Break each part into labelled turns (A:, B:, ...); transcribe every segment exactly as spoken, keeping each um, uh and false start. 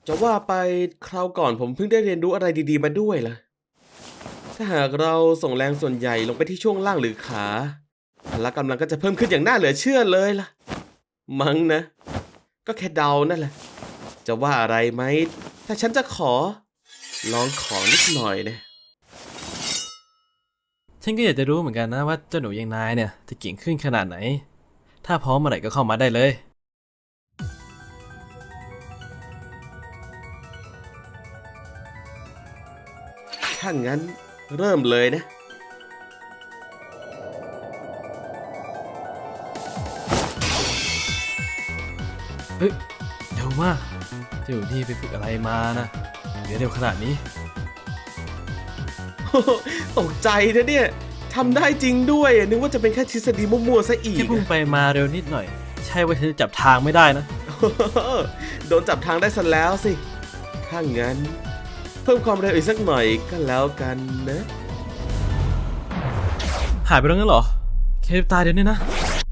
A: จะว่าไปคราวก่อนผมเพิ่งได้เรียนรู้อะไรดีๆมาด้วยล่ะถ้าหากเราส่งแรงส่วนใหญ่ลงไปที่ช่วงล่างหรือขาพละกำลังก็จะเพิ่มขึ้นอย่างน่าเหลือเชื่อเลยล่ะมั้งนะก็แค่เดานั่นแหละจะว่าอะไรไหมถ้าฉันจะขอลองของนิดหน่อยนะ
B: ฉันก็อยากจะรู้เหมือนกันนะว่าเจ้าหนูอย่างนายเนี่ยจะเก่งขึ้นขนาดไหนถ้าพร้อมเมื่อไหร่ก็เข้ามาได้เลย
A: ถ้างั้นเริ่มเลยนะ
B: เฮ้ยเร็วมากเจ้านี่ไปฝึกอะไรมานะเดี๋ยวเร็วขนาดนี้
A: ตกใจนะเนี่ยทำได้จริงด้วยนึกว่าจะเป็นแค่ทฤษฎีมั่วๆซะอีก
B: แค่พุ่งไปมาเร็วนิดหน่อยใช่ว่าฉันจะจับทางไม่ได้นะ
A: โดนจับทางได้ซะแล้วสิถ้างั้นเพิ่มความเร็วอีกสักหน่อยก็แล้วกันนะ
B: หายไปแล้วงั้นเหรอเคปตายเดี๋ยวนี้นะ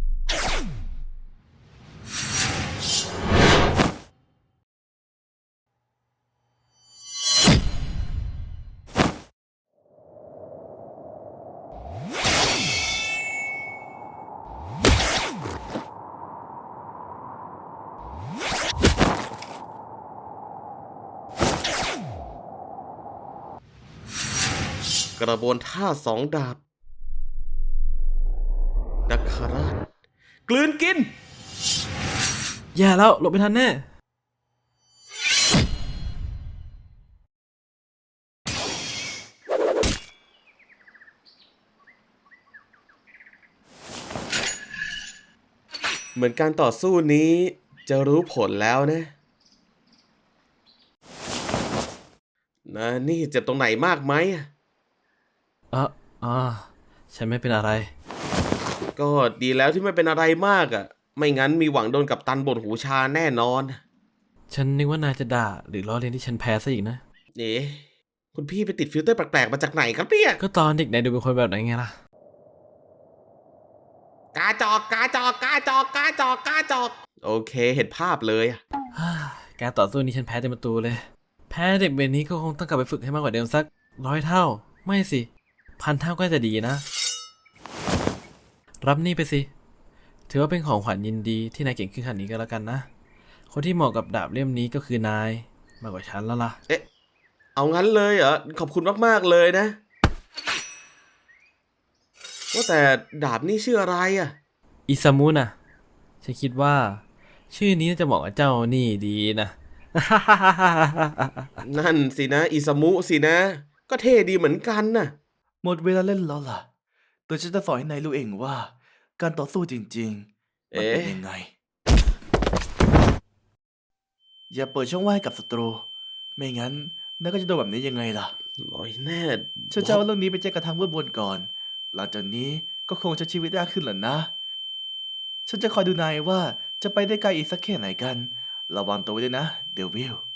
A: กระบวนท่าสองดาบนักคราชกลืนกิน
B: แย่แล้วหลบไม่ทันแน่
A: เหมือนการต่อสู้นี้จะรู้ผลแล้วนะนะนี่เจ็บตรงไหนมากไหม
B: อ่ะอ่าฉันไม่เป็นอะไร
A: ก็ดีแล้วที่ไม่เป็นอะไรมากอ่ะ ไม่งั้นมีหวังโดนกับตันบ่นหูชาแน่นอน
B: ฉันนึกว่านายจะด่าหรือล้อเลียนที่ฉันแพ้ซะอีกนะ
A: เอ๊ะคุณพี่ไปติดฟิลเตอร์แปลกๆมาจากไหนครับเนี่ย
B: ก็ตอนเด็กนายดูเป็นคนแบบไหนไงล่ะ
A: กาจอกกาจอกกาจอกกาจอกกาจอกโอเคเห็นภาพเลยอะ
B: การต่อสู้นี้ฉันแพ้เต็มประตูเลย แพ้เด็กเบนนี้ก็คงต้องกลับไปฝึกให้มากกว่าเดิมสักร้อยเท่า ไม่สิ พันเท่าก็จะดีนะ รับนี่ไปสิ ถือว่าเป็นของขวัญยินดีที่นายเก่งขึ้นขนาดนี้ก็แล้วกันนะ คนที่เหมาะกับดาบเล่มนี้ก็คือนายมากกว่าฉันแล้วล่ะ
A: เอ๊ะเอางั้นเลยเหรอขอบคุณมากๆเลยนะว่าแต่ดาบนี่ชื่ออะไรอะ
B: อิซามุนะฉันคิดว่า ชื่อนี้น่าจะเหมาะกับเจ้านี่ดีนะ
A: นั่นสินะอิซามุสินะ ก็เท่ดีเหมือนกันน่ะ
C: หมดเวลาเล่นแล้วล่ะตัวฉันจะสอนให้นายรู้เองว่า การต่อสู้จริงๆ มันเป็น
A: เอ๊ะ
C: ยังไง อย่าเปิดช่องว่างให้กับศัตรู ไม่งั้นนายก็จะโดนแบบนี้ยังไงล่ะ
A: หน่อยแน่
C: ฉันจะเอาเรื่องนี้ไปแจ้งกับทางเว็บบนก่อน หลังจากนี้ก็คงใช้ชีวิตยากขึ้นแหละนะ ฉันจะคอยดูนายว่าจะไปได้ไกลอีกสักแค่ไหนกัน ระวังตัวไว้ด้วยนะ เดวิล